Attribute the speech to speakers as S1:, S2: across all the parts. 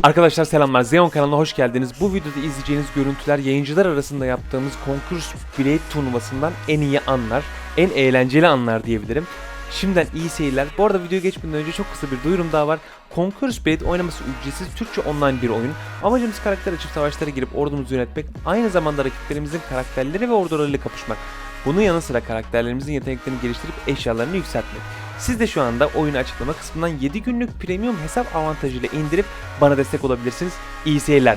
S1: Arkadaşlar selamlar, Zeon kanalına hoş geldiniz. Bu videoda izleyeceğiniz görüntüler yayıncılar arasında yaptığımız Conquerors Blade turnuvasından en iyi anlar, en eğlenceli anlar diyebilirim. Şimdiden iyi seyirler. Bu arada videoya geçmeden önce çok kısa bir duyurum daha var. Conquerors Blade oynaması ücretsiz Türkçe online bir oyun. Amacımız karakter açıp savaşlara girip ordumuzu yönetmek, aynı zamanda rakiplerimizin karakterleri ve ordularıyla kapışmak. Bunun yanı sıra karakterlerimizin yeteneklerini geliştirip eşyalarını yükseltmek. Siz de şu anda oyunu açıklama kısmından 7 günlük premium hesap avantajıyla indirip bana destek olabilirsiniz. İyi seyirler.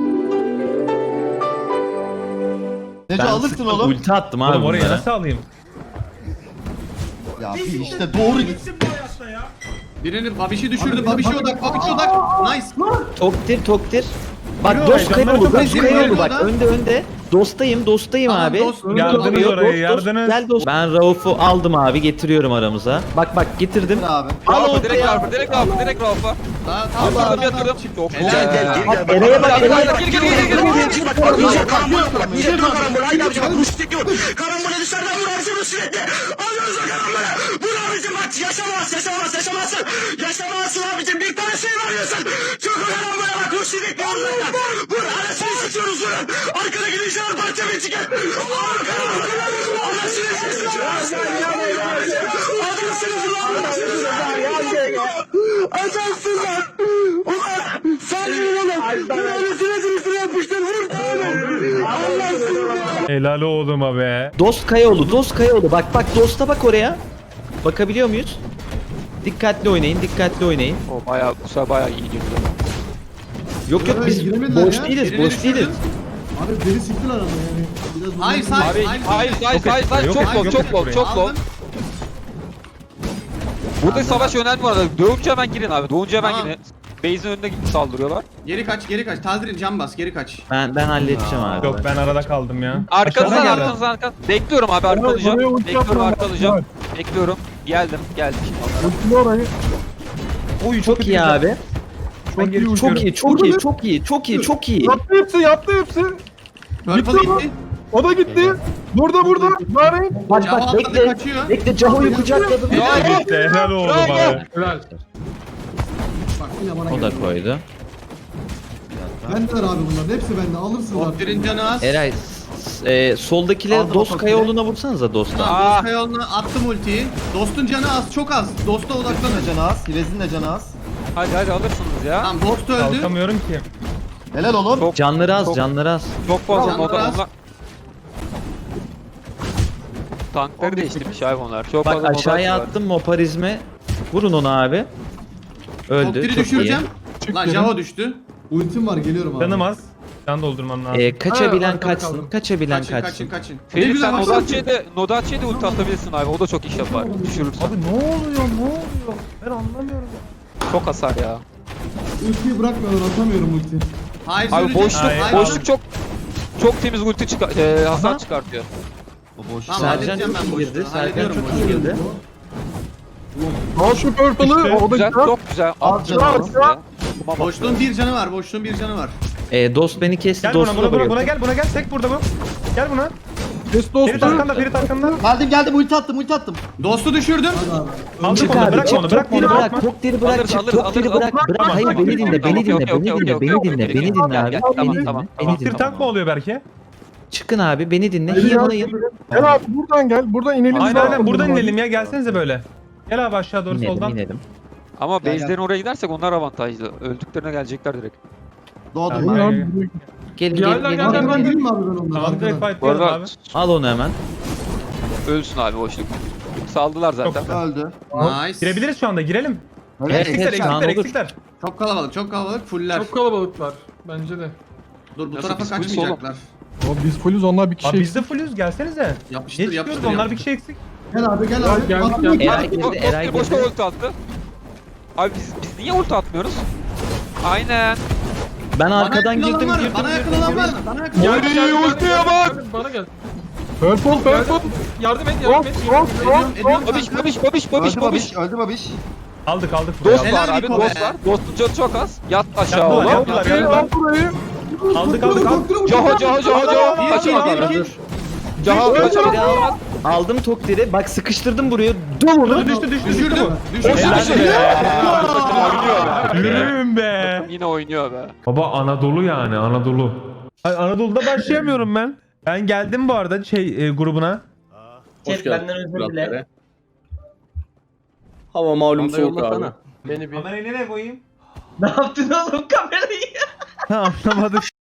S2: Nece alırsın oğlum.
S3: Ulti attım abi
S4: Oğlum oraya
S3: bunlara.
S4: nasıl alayım?
S2: Ya bir işte doğru gitsin.
S5: Birini Babiş'i düşürdü. Babiş'e odak. Babiş'e odak. Nice.
S3: Toktir. Bak
S4: Yürü,
S3: dost
S4: heyecanları
S3: kayboldu.
S4: çok
S3: Dost
S5: acayip
S3: kayboldu
S5: geliyor
S3: bak.
S5: da.
S3: Önde. Dostayım
S5: Tamam,
S3: abi.
S5: dost.
S4: Yardınız oraya, yardınız.
S3: Gel dost. Ben Rauf'u aldım abi, getiriyorum aramıza. Bak getirdim.
S2: Abi.
S3: Al
S6: Rafa
S3: ortaya.
S6: direkt Rafa, direkt Rafa, direkt Rafa.
S5: Tamam.
S6: Yatırdım. Çok
S3: Eray'a bak.
S7: Karambole dışarıdan vur abicim sürekli. Alıyoruz o karambole. Vur abicim bak yaşamazsın. Yaşamazsın abicim. Bir tane şey varıyorsun. Çok o karambole bak. Vur sürekli onlarla. Vur anasını sıçıyoruz vurun. Arkadaki dışarı parça bir çıkın. Vur karambole. Anasını sıçıyoruz. Adamsınız ulan. Adamsın lan. Ulan sen vurun oğlum. Anasını yapıştır. Vur tane. Allah'sın ya.
S4: Helal oğluma be.
S3: Dost Kayaoğlu. Bak dosta bak oraya. Bakabiliyor muyuz? Dikkatli oynayın.
S6: O bayağı, bu sefer bayağı iyi girdi.
S3: Yok biz
S2: giremediler
S3: boş
S2: ya.
S3: değiliz.
S5: Birini
S3: Boş değiliz.
S2: Abi beni siktiler ama yani. Biraz
S5: Hayır
S6: Abi hayır
S4: Yok,
S6: çok low.
S5: Aldım.
S6: Burada savaş önemli bu arada. Doğunca hemen girin abi. Doğunca hemen
S5: Tamam.
S6: girin. Base'in önünde saldırıyorlar.
S5: Geri kaç. Tazrin cam bas. Geri kaç.
S3: Ben halledeceğim abi.
S4: Yok ben arada kaldım ya.
S6: Arkanızdan
S4: Aşağıdan geldi.
S6: arkanızdan. Bekliyorum abi arkalayacağım. Bekliyorum. Geldim.
S4: Oy
S3: Çok iyi abi.
S4: Ben geri
S3: Çok
S4: uçuyorum.
S3: iyi.
S8: Yaptı hepsi.
S5: Purple gitti.
S8: O da gitti. Burada. Bari.
S3: Bak
S5: Cam atladı kaçıyor.
S3: Bekle Caho'yu kucakladım.
S4: Gitti helal oğlum abi.
S2: Bak yine bana
S3: O da
S2: geldi.
S3: koydu.
S2: Bendeler abi bunların. Hepsi bende. Alırsınız abi.
S5: Toptirin canı az.
S3: Eray soldakileri
S2: Aldım
S3: Dost
S2: o
S3: Kayaoğlu'na vursanıza dosta.
S5: Tamam, Dost yoluna attım ultiyi. Dostun canı az. Çok az. Dost'a odaklanın.
S2: Canı az. Hilez'in de canı az.
S6: Hadi alırsınız ya.
S5: Tamam Dost öldü.
S4: Kalkamıyorum ki.
S2: Helal oğlum.
S3: Canları az.
S6: Çok fazla
S5: Tamam,
S6: moda
S5: biraz.
S6: onlar. Tankları değiştirmiş abi onlar. Çok fazla
S3: Bak
S6: moda
S3: aşağıya
S6: var.
S3: attım moparizme. Vurun onu abi. Öldü.
S5: Toptiri
S3: Çok iyi.
S5: düşüreceğim. Lan Java düştü.
S2: Ultim var. Geliyorum abi.
S4: Canım az. Can doldurmam lazım.
S3: Kaçabilen
S2: Ha, arkada
S3: kaçsın.
S2: kaldım.
S3: Kaçabilen kaçsın.
S5: Kaçın.
S6: Ferit
S5: güzel
S6: sen
S5: baksana.
S6: Nodaçe'ye de ulti atabilirsin abi. O da çok iş yapar. Düşürürsen.
S4: Abi ne oluyor? Ben anlamıyorum.
S6: Çok hasar ya.
S2: Ultiyi bırakmıyorlar. Atamıyorum ulti.
S5: Hayır
S6: Abi
S5: söyleyeceğim.
S6: boşluk
S4: Hayır.
S6: boşluk çok temiz ulti hasar
S3: Aha.
S6: çıkartıyor.
S5: Tamam
S3: Sercan
S5: halledeceğim
S3: çok
S5: ben
S3: iyi girdi.
S5: boşluğu.
S3: Sercan
S5: Hallediyorum
S3: çok
S5: boşluğu.
S3: iyi girdi.
S8: Al şu purple'ı.
S4: İşte,
S8: O da
S6: Güzel,
S8: güzel.
S6: çok güzel.
S2: Al
S6: At
S2: canım.
S6: canım.
S5: Boşluğun bir canı var.
S3: Dost beni kesti.
S4: Gel
S3: Dost'u da
S4: buna
S3: vuruyor.
S4: gel tek burada bu. Gel buna.
S8: Kes
S4: Ferit
S8: dostu.
S4: arkanda.
S2: Geldim. Ulti attım.
S5: Dost'u düşürdüm.
S2: Hadi abi.
S4: Aldık
S3: Çık
S4: onu,
S3: abi.
S4: bırakma onu, bırakma onu, bırakma.
S3: Toktir'i bırak.
S6: Alırız,
S3: Çık.
S6: alırız,
S3: Toktir'i
S6: alırız,
S3: bırak.
S6: alırız.
S3: Hayır
S6: Tamam,
S3: beni dinle. Beni dinle.
S6: Gel, tamam.
S3: Beni
S4: Bir tank mı oluyor belki?
S3: Çıkın abi. Beni dinle. Heal'layın.
S8: Gel abi buradan gel. Buradan inelim.
S4: Aynen buradan inelim ya, gelsenize böyle. Gel abi aşağı doğru soldan.
S3: İnelim.
S6: Ama
S2: Gel,
S6: base'lerin oraya gidersek onlar avantajlı. Öldüklerine gelecekler direkt.
S2: Doğdum
S4: Tamam.
S2: ben.
S3: Gelin.
S2: Arkadan gireyim mi abi ben onları?
S4: Tamam direkt
S2: Arkadan.
S4: fight
S6: Bu
S4: diyorum
S6: arada
S4: abi.
S3: Al onu hemen.
S6: ölsün abi boşluk. Saldılar zaten.
S2: Öldü.
S5: Nice.
S4: Girebiliriz şu anda, girelim.
S3: Evet,
S4: Eksikler,
S3: şu an olur.
S4: eksikler.
S5: Çok kalabalık. Fuller.
S8: Çok kalabalıklar. Bence de.
S5: Dur bu
S6: Nasıl
S5: tarafa
S6: biz full
S5: kaçmayacaklar.
S8: O biz fullüz, onlar bir kişi.
S4: Abi biz de fullüz, gelsenize.
S5: Yapıştır
S4: Geç çıkıyoruz,
S5: yapıştır.
S4: onlar bir kişi eksik.
S2: Gel abi.
S8: Gel,
S2: Attım.
S8: gel.
S3: Eray girdi. Eray
S6: Boşta
S3: girdi.
S6: ulti attı. Abi biz niye ulti atmıyoruz? Aynen.
S3: Ben arkadan girdim.
S5: Bana yakın olan var mı?
S6: Gel ultiye bak.
S8: Bana gel. Purple.
S6: Yardım et
S5: Ediyorum
S6: Babiş.
S2: Öldü babiş.
S4: Aldık
S6: Dost
S4: burayı.
S5: Helal
S6: var abi,
S5: Niko
S6: dost
S5: be.
S6: var. Dostun canı çok az. Yat aşağı
S4: Yaptılar,
S6: oğlum.
S4: yaptılar, yaptılar.
S8: Burayı.
S4: Aldık.
S6: Caho. Kaçamadı. Caho kaçamadı.
S3: Aldım Toktir'i. Bak sıkıştırdım burayı.
S4: Düştü bu. Yürüyün be.
S6: Yine oynuyor be.
S4: Baba Anadolu yani Anadolu. Ay, Anadolu'da başlayamıyorum ben. Ben geldim bu arada grubuna.
S9: Chat benden özür dile.
S10: Hava malum soğuk abi.
S9: Beni bir...
S4: Kamerayı nereye koyayım?
S9: Ne yaptın oğlum kamerayı?
S4: Ha, anlamadım.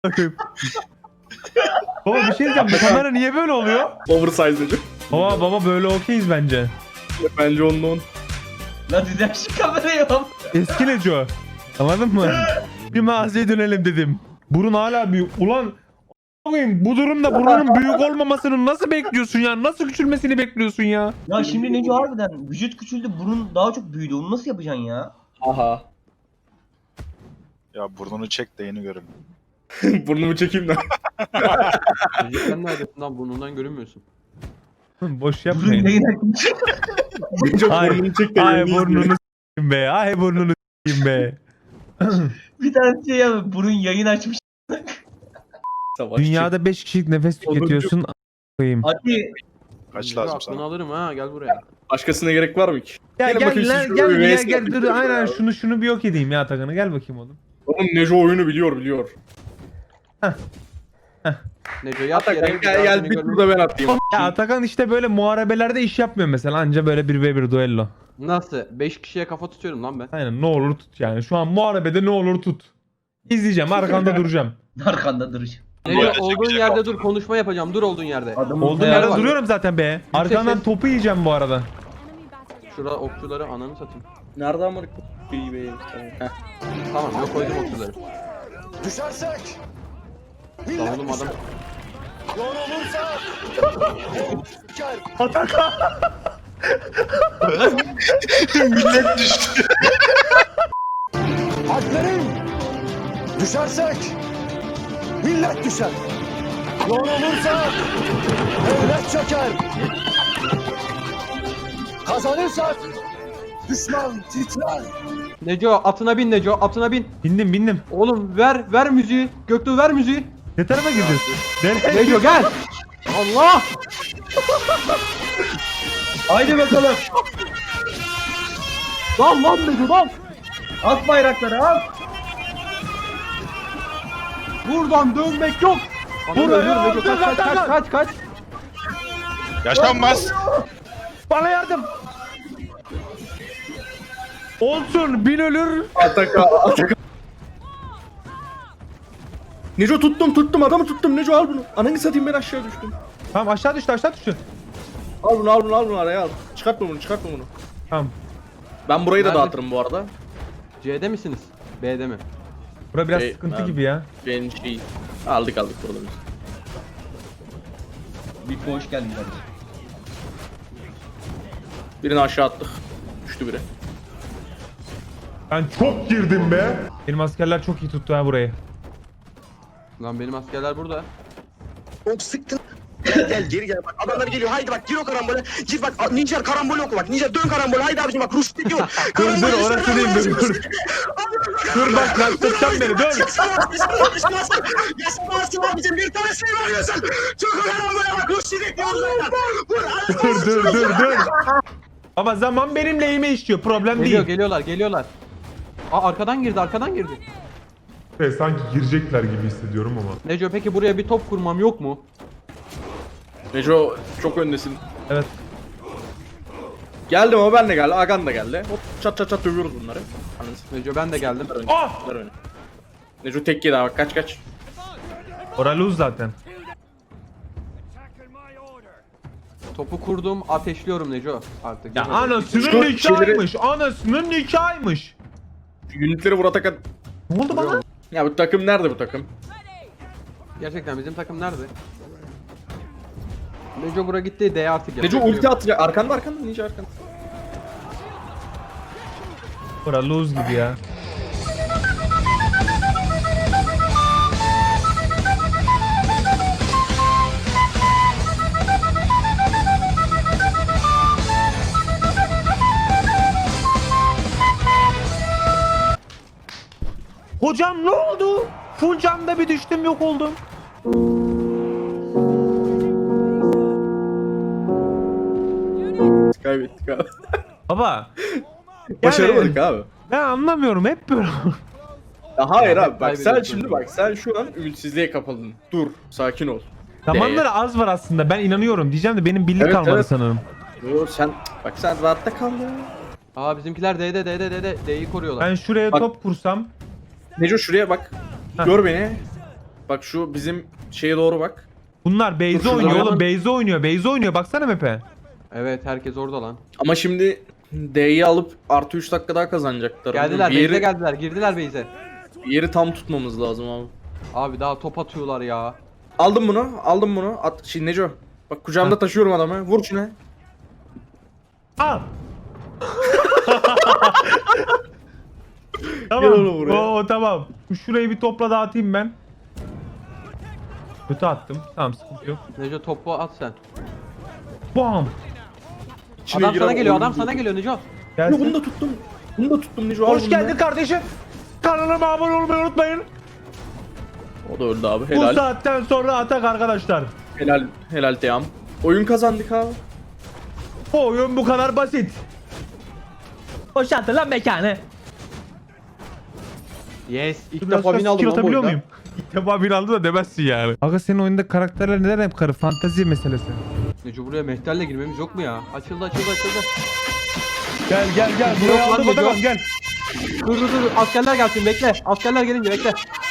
S4: Baba bir şey diyeceğim. Bu kamera niye böyle oluyor?
S10: Oversize'cı.
S4: Baba böyle okeyiz bence.
S10: Bence onun.
S9: Lan düzel şu kamerayı oğlum.
S4: Eski Neco. Anladın mı? Bir mağazaya dönelim dedim. Burun hala büyük. Ulan a**ayım, bu durumda burnunun büyük olmamasını nasıl bekliyorsun ya? Nasıl küçülmesini bekliyorsun ya?
S9: Ya şimdi Neco harbiden vücut küçüldü, burun daha çok büyüdü. Onu nasıl yapacaksın ya?
S10: Aha.
S11: Ya burnunu çek de yeni görün.
S10: Burnumu çekeyim de.
S9: Sen neredesin lan, burnundan görünmüyorsun.
S4: Boş
S9: Burun
S4: yapmayın.
S9: yayın açmış.
S10: Çok
S4: Ay,
S10: burnunu çek de
S4: ay
S10: yeni
S4: burnunu
S10: izle.
S4: s**eyim be. Ay burnunu s**eyim be.
S9: Bir tane şey ya, burun yayın açmış.
S10: Savaşçı.
S4: Dünyada 5 kişilik nefes tüketiyorsun. A**ayım.
S9: Hadi.
S11: Kaç lazım sana?
S9: alırım ha, gel buraya.
S10: Başkasına gerek var mı ki?
S4: Ya
S10: Gelin bakayım
S4: gel
S10: siz
S4: lan
S10: şuraya
S4: gel
S10: bir
S4: ya
S10: VS
S4: gel dur
S10: yapın.
S4: aynen şunu bir yok edeyim ya Atakan'ı gel bakayım oğlum.
S10: Oğlum Neco oyunu biliyor.
S9: Neco yat
S10: Atakan gel bir tur da ben atayım.
S4: Ya Atakan işte böyle muharebelerde iş yapmıyor mesela anca böyle 1v1 duello.
S9: Nasıl? 5 kişiye kafa tutuyorum lan ben.
S4: Aynen ne olur tut yani şu an muharebede ne olur tut. İzleyeceğim arkanda duracağım.
S9: Arkanda duracağım.
S11: Neco,
S9: Olduğun yerde dur, konuşma yapacağım. Dur olduğun yerde.
S4: Olduğum yerde duruyorum zaten be. Arkandan topu yiyeceğim bu arada.
S9: Şurada okçuları ananı satayım.
S10: Nerede amına koyayım?
S9: Tamam, yok koydum okçuları.
S7: Düşersek.
S9: Lan oğlum adam.
S7: Yol olursa.
S11: Millet düştü.
S7: Alplerin. Düşersek. Millet düşer. Yol olursa. Devlet çöker. Kazanırsak. Düşman titrer.
S9: Neco atına bin, Neco atına bin.
S4: Bindim.
S9: Oğlum ver müziği. Göktuğ ver müziği.
S4: Ne tarafa gidiyorsun? Nereye?
S9: Neco gel. Allah. Haydi bakalım. Lan Neco lan. At bayrakları at. Buradan dönmek yok.
S4: Buraya
S9: Neco kaç.
S11: Yaşanmaz.
S4: Bana yardım. Olsun bin ölür.
S10: Atakan. Neco tuttum adamı tuttum. Neco al bunu. Ananı satayım ben aşağı düştüm.
S4: Tamam aşağı düştü.
S10: Al bunu araya al. Çıkartma bunu.
S4: Tamam.
S10: Ben burayı da
S9: Nerede?
S10: dağıtırım bu arada.
S9: C'de misiniz? B'de mi?
S4: Bura biraz
S10: Hey,
S4: sıkıntı
S10: ben-
S4: gibi ya.
S10: Benim şey. Aldık burada biz.
S9: Bir hoş geldin kardeşim.
S10: Birini aşağı attık. Düştü biri.
S4: Ben çok girdim be. Benim askerler çok iyi tuttu ha burayı.
S9: Lan benim askerler burada.
S7: Çok sıktın. Gel geri gel bak adamlar geliyor haydi bak gir o karambole gir bak Ninja karambol oku bak Ninja dön karambol haydi abicim bak Rus diyor
S4: Dur orası değil dur. Dur bak lan tutacağım beni dur.
S7: Yaşamazsın abicim bir tane şey veriyorsun çok karambole bak Rus diyor
S4: Dur. Baba zaman benim lehime işliyor problem değil.
S9: Geliyorlar. Aa arkadan girdi.
S12: Sanki girecekler gibi hissediyorum ama.
S9: Neco peki buraya bir top kurmam yok mu?
S10: Neco çok öndesin.
S4: Evet.
S10: Geldim ama ben de geldi. Agan da geldi. Hop çat dövüyoruz bunları. Anladın.
S9: Neco ben de geldim.
S10: Neco tek yedi bak kaç.
S4: Oraluz zaten.
S9: Topu kurdum, ateşliyorum Neco artık.
S4: Ya anasının
S10: Şu
S4: nikahıymış. Anasının nikahıymış.
S10: Unitleri vur Atakan.
S4: Ne oldu bana?
S10: Ya bu takım nerede bu takım?
S9: Gerçekten bizim takım nerede? Neco bura gitti, D artık
S10: Neco ulti atacak. Arkanda Ninja arkanda.
S4: Oraluz gibi ya. Hocam ne oldu? Full camda bir düştüm yok oldum.
S10: Sky kaybettik abi.
S4: Baba.
S10: Başaramadık abi.
S4: Ben anlamıyorum hep böyle.
S10: Ya hayır abi bak sen
S9: kaybediyorsun.
S10: şimdi bak sen şu an ümitsizliğe kapıldın. Dur sakin ol.
S4: Zamanları az var aslında ben inanıyorum diyeceğim de benim birlik
S10: Evet,
S4: kalmadı
S10: evet.
S4: sanırım.
S10: Yo sen bak sen rahatta kal ya.
S9: Aa bizimkiler D'yi koruyorlar.
S4: Ben şuraya
S10: Bak-
S4: top kursam.
S10: Neco şuraya bak.
S4: Heh.
S10: Gör beni. Bak şu bizim şeye doğru bak.
S4: Bunlar Beyze
S10: şurada
S4: oynuyor
S10: oynayalım.
S4: oğlum. Beyze oynuyor. Baksana map'e.
S9: Evet herkes orada lan.
S10: Ama şimdi D'yi alıp artı 3 dakika daha kazanacaklar.
S9: Geldiler
S10: bir yeri,
S9: base'e geldiler. Girdiler base'e.
S10: bir yeri tam tutmamız lazım abi.
S9: Abi daha top atıyorlar ya.
S10: Aldım bunu. At, şimdi Neco. Bak kucağımda taşıyorum adamı. Vur şuna.
S4: Al.
S10: Gel
S4: Tamam.
S10: oğlum buraya.
S4: Oo, tamam. Şurayı bir topla dağıtayım ben. Kötü attım. Tamam sıkıntı yok.
S9: Neco topu at sen.
S4: Bam.
S10: İçine
S9: Adam
S10: giren
S9: sana geliyor,
S10: oyun
S9: adam sana
S10: değil.
S9: geliyor Neco.
S10: Yo,
S4: Gelsin.
S10: bunu da tuttum. Bunu da tuttum Neco. al
S4: Hoş
S10: bunu
S4: geldin
S10: da.
S4: kardeşim. Kanalıma abone olmayı unutmayın.
S10: O da öldü abi.
S4: Bu
S10: Helal.
S4: saatten sonra atak arkadaşlar.
S10: Helal Teyam. Oyun kazandık abi.
S4: Bu oyun bu kadar basit. Boşaltın lan mekanı.
S9: Yes.
S4: İlk defa win aldım lan bu oyunda. Muyum? İlk defa win aldım da demezsin yani. Aga senin oyunda karakterler neden hep karı? Fantezi meselesi.
S9: Neco buraya mehterle girmemiz yok mu ya? Açıldı.
S4: Gel.
S9: Yok
S4: Buraya
S9: lan
S4: aldım
S9: Neco.
S4: adamım gel.
S9: Dur. Askerler gelsin bekle. Askerler gelince bekle.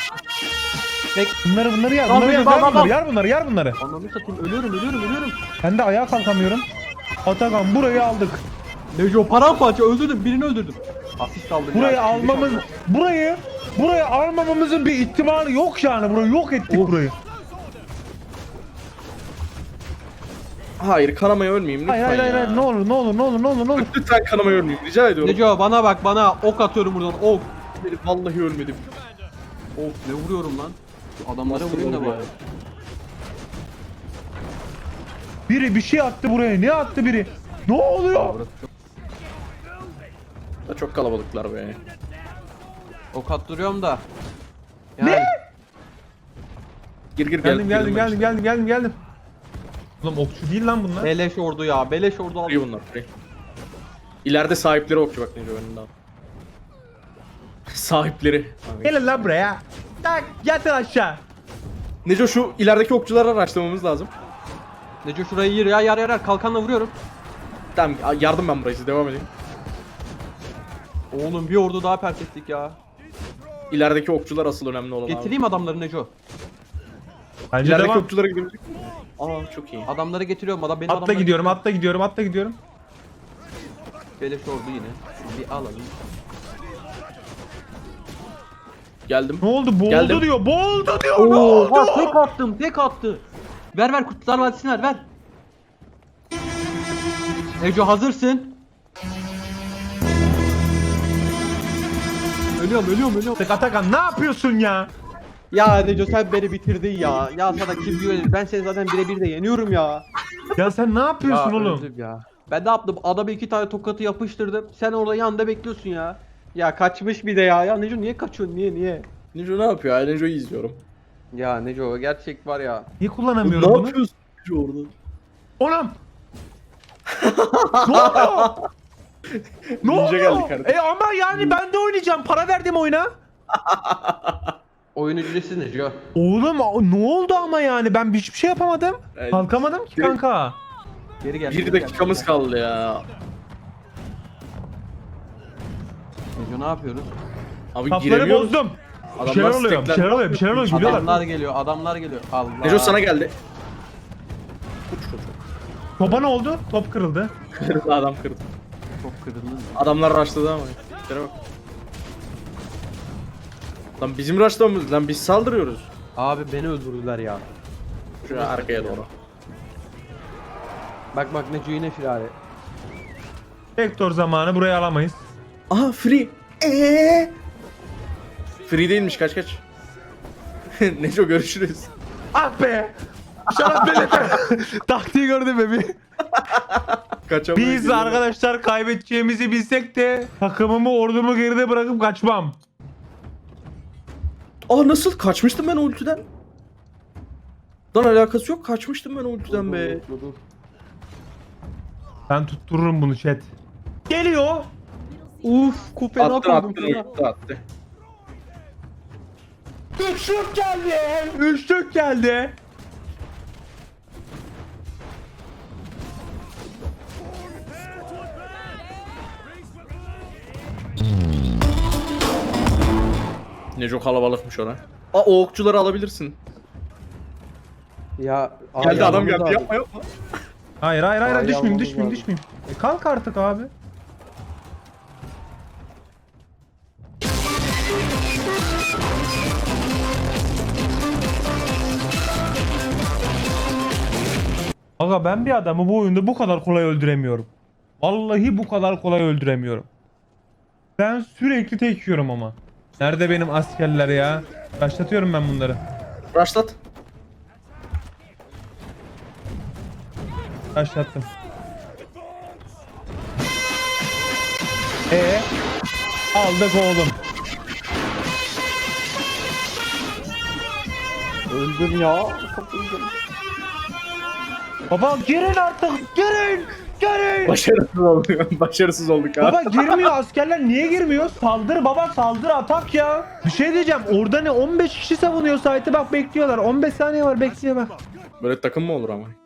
S4: Bunları yar.
S9: Tamam, tamam.
S4: Yar bunları.
S9: Ananı satayım ölüyorum.
S4: Ben de ayağa kalkamıyorum. Atakan burayı aldık.
S9: Neco paramparça öldürdüm. Birini öldürdüm. Asist aldım
S4: Burayı
S9: ya.
S4: almamız burayı almamamızın bir ihtimali yok yani. Burayı yok ettik burayı.
S10: Hayır kanamaya ölmeyeyim lütfen
S4: Hayır.
S10: ya.
S4: Ne olur.
S10: Lütfen kanamaya ölmeyeyim rica ediyorum.
S9: Neco bana bak bana. Ok atıyorum buradan. Ok.
S10: Vallahi ölmedim.
S9: Of ne vuruyorum lan. Şu adamlara vurayım da bari.
S4: Biri bir şey attı buraya. Ne attı biri? Ne oluyor?
S10: Da çok kalabalıklar be.
S9: Ok attırıyorum da. Yani,
S4: Ne?
S10: Gir
S4: Geldim. Oğlum okçu değil lan bunlar.
S9: Beleş ordu ya. Beleş ordu aldım.
S10: Free bunlar free. İleride sahipleri okçu bak Neco önünde al. Sahipleri.
S4: Gelin lan buraya. Tak yatın aşağı.
S10: Neco şu ilerideki okçuları araştırmamız lazım.
S9: Neco şurayı yır ya yar. Kalkanla vuruyorum.
S10: Tamam yardım ben buraya siz devam edin.
S9: Oğlum bir ordu daha pert ettik ya.
S10: İlerideki okçular asıl önemli olan abi.
S9: Getireyim adamları Neco.
S4: Bence
S10: İlerideki
S4: devam.
S10: okçulara gidebilecek miyim? Aa çok iyi.
S9: Adamları getiriyorum. Benim
S4: Atla
S9: adamları
S4: gidiyorum.
S9: getiriyorum. Beleş ordu yine. Bir alalım.
S10: Geldim.
S4: Ne oldu? Boğuldu
S10: Geldim.
S4: diyor. Ne
S9: Oo,
S4: oldu?
S9: bak tek attı. Ver Kurtlar Vadisi'ni ver. Neco hazırsın. Ölüyorum.
S4: Atakan ne yapıyorsun ya?
S9: Ya Neco sen beni bitirdin ya. Ya sana kim güvenir? Ben seni zaten birebir de yeniyorum ya.
S4: Ya sen ne yapıyorsun oğlum?
S9: öldüm ya. Ben ne yaptım? Adama 2 tane tokatı yapıştırdım. Sen orada yanında bekliyorsun ya. Ya kaçmış bir de ya. Ya Neco niye kaçıyorsun? Niye?
S10: Neco ne yapıyor? Ya Neco'yu izliyorum.
S9: Ya Neco gerçek var ya.
S4: Niye
S10: Ne
S4: kullanamıyorum bunu?
S10: yapıyorsun Neco orada?
S4: Oğlum. Ne oluyor? Ne
S10: Ninja
S4: oluyor?
S10: geldi kardeşim.
S4: Ama yani ben de oynayacağım. Para verdim oyuna.
S9: Oyun ücretsiz Neco.
S4: Oğlum ne oldu ama yani ben hiçbir şey yapamadım.
S10: Evet.
S4: Kalkamadım ki kanka.
S9: Geri gel.
S10: 1 dakikamız kaldı ya.
S9: Neco ne yapıyoruz?
S10: Abi
S4: Kapları
S10: giremiyoruz.
S4: bozdum. Bir
S10: Adamlar
S4: şeyler oluyor. Bir
S10: stekler.
S4: şeyler oluyor. Gülüyorlar.
S9: Adamlar geliyor. Allah.
S10: Neco sana geldi.
S4: Topa ne oldu? Top kırıldı.
S10: Kırıldı adam kırdı.
S9: Çok kırıldın.
S10: Adamlar rushladı ama. Şuna bak. Lan bizim rushlamamız lan biz saldırıyoruz.
S9: Abi beni öldürdüler ya.
S10: Şuraya arkaya doğru.
S9: Bak Neco yine firari.
S4: Vektor zamanı burayı alamayız.
S10: Aha free. Free değilmiş kaç. Neco görüşürüz.
S4: Ah be! Şarap belirte. Taktiği gördün mü bir? Biz arkadaşlar kaybedeceğimizi bilsek de takımımı ordumu geride bırakıp kaçmam.
S10: Aa nasıl kaçmıştım ben o ultiden? Lan alakası yok kaçmıştım ben o ultiden be.
S9: Dur.
S4: Ben tuttururum bunu chat. Geliyor.
S9: Uf kupeni
S10: Attı
S9: atıyordum
S10: attı
S9: sana.
S10: attı attı.
S4: Üçlük geldi. Üçlük geldi.
S10: Neco kalabalıkmış ora. Aa o okçuları alabilirsin.
S9: Ya
S10: Geldi adam
S9: almamız
S10: geldi
S9: lazım.
S10: yapma yapma.
S4: Hayır hayır hayır
S9: Ay,
S4: düşmeyeyim
S9: almamız
S4: düşmeyeyim
S9: lazım.
S4: düşmeyeyim. Kalk artık abi. Aga ben bir adamı bu oyunda bu kadar kolay öldüremiyorum. Vallahi bu kadar kolay öldüremiyorum. Ben sürekli tek yiyorum ama. Nerede benim askerler ya? Başlatıyorum ben bunları.
S10: Başlat.
S4: Başlattım. Aldık oğlum.
S9: Öldüm ya.
S4: Baba girin artık girin. Girin.
S10: Başarısız olduk. Başarısız olduk ha.
S4: Baba girmiyor askerler niye girmiyor? Saldır baba saldır atak ya. Bir şey diyeceğim orada ne 15 kişi savunuyor site'ı bak bekliyorlar 15 saniye var bekliyor bak.
S10: Böyle takım mı olur ama?